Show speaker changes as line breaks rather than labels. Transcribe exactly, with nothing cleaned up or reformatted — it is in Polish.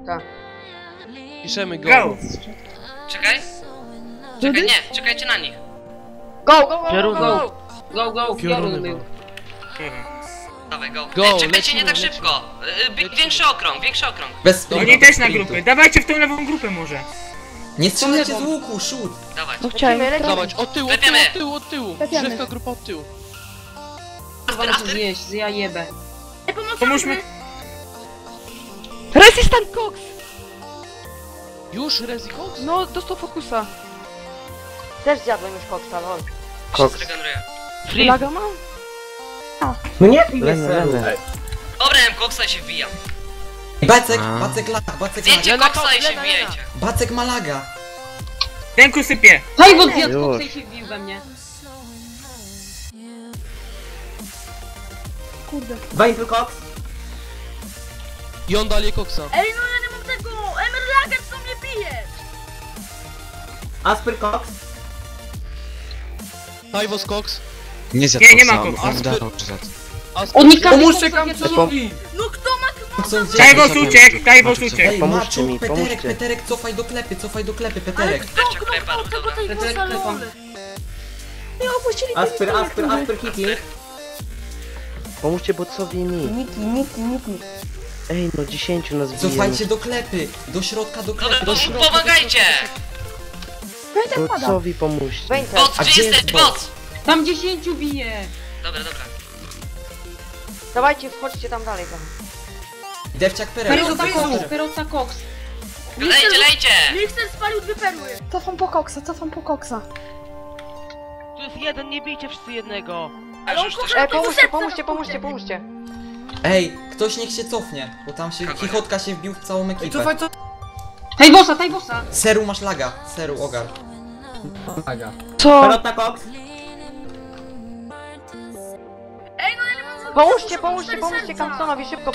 Tak.
Piszemy go.
Go!
Czekaj. Czekaj, nie, czekajcie na nich.
Go, go, go,
Piorun,
go, go! Go, go,
Pioruny
piorun był.
Dawaj, go.
Go,
Ej, czekajcie,
lecimy,
nie tak
lecimy.
szybko. Y, y, większy okrąg, większy okrąg.
Bez sprintu,
Oni
bez
też na
sprintu.
grupy. Dawajcie w tą lewą grupę może.
Nie strzelajcie z łuku, shoot!
Dawaj.
No chciałem.
Lecimy, lecimy.
Dawać, od tyłu, od tyłu,
Lepiemy.
od tyłu, od tyłu.
Lepiemy.
Drzewka grupa od tyłu.
After, after.
Zjeść, ja jebę.
Pomóżmy.
Resistant Cox!
Już, Rezi Cox?
No, dostał fokusa.
Też zjadłem już koksa, lol.
Się zregeneruje.
Laga mam?
No nie pij seru.
Dobra, M koksa i się wbijam.
Bacek, bacek lag, bacek lag.
Zdjęcie
Lena,
koksa i się
Lena,
wbijajcie.
Bacek ma laga.
Ręku sypie.
Hajwot zjadł koksa i się wbił we mnie.
Kurde.
Wejdę koks.
I on dalej Coxa.
Ej, no ja nie mam tego! Emerlager co mnie bije!
Asper koks.
Tajwos Cox.
Nie zjadł
Nie, nie ma
koksa,
koksa.
on dawał czy zjadł.
On nie każdy
Pomóżcie
koksa zjadł.
No kto ma
Są gdzie?
Tajwos uciekł, Tajwos uciekł.
Ej, Maczu, Peterek, Peterek, cofaj do klepy, cofaj do klepy, Peterek.
Deszcz klepa,
tego
dobra.
tej
Peterek
bossa
klepa.
lol? Nie opuścili
Asper,
tej
Asper, Asper, hitli.
Pomóżcie botsowi i mi.
Niki, Niki, Niki.
Ej, no dziesięciu nas bije.
Cofajcie do klepy, do środka, do
Dobra,
klepy.
po, pomagajcie!
Pamiętam pada.
Botsowi pomóżcie.
Wejdę.
Boc,
A
gdzie
gdzie
jesteś,
jest
boc?
Tam dziesięciu bije.
Dobra, dobra.
Dawajcie, wchodźcie tam dalej. Tam.
Dewciak Perek.
Perota koks, perota koks.
Lejcie, lejcie!
Mixer spalił dwie perły. Cofam po koksa, cofam po koksa.
Tu jest jeden, nie bijcie wszyscy jednego.
Ale już coś...
Ej, pomóżcie, pomóżcie, pomóżcie, pomóżcie.
Ej, ktoś niech się cofnie, bo tam się, chichotka się wbił w całą ekipę.
Tajbosa, tajbosa.
Seru masz laga, Seru, ogar.
Co?
Pomóżcie, pomóżcie, pomóżcie Kamsonowi, szybko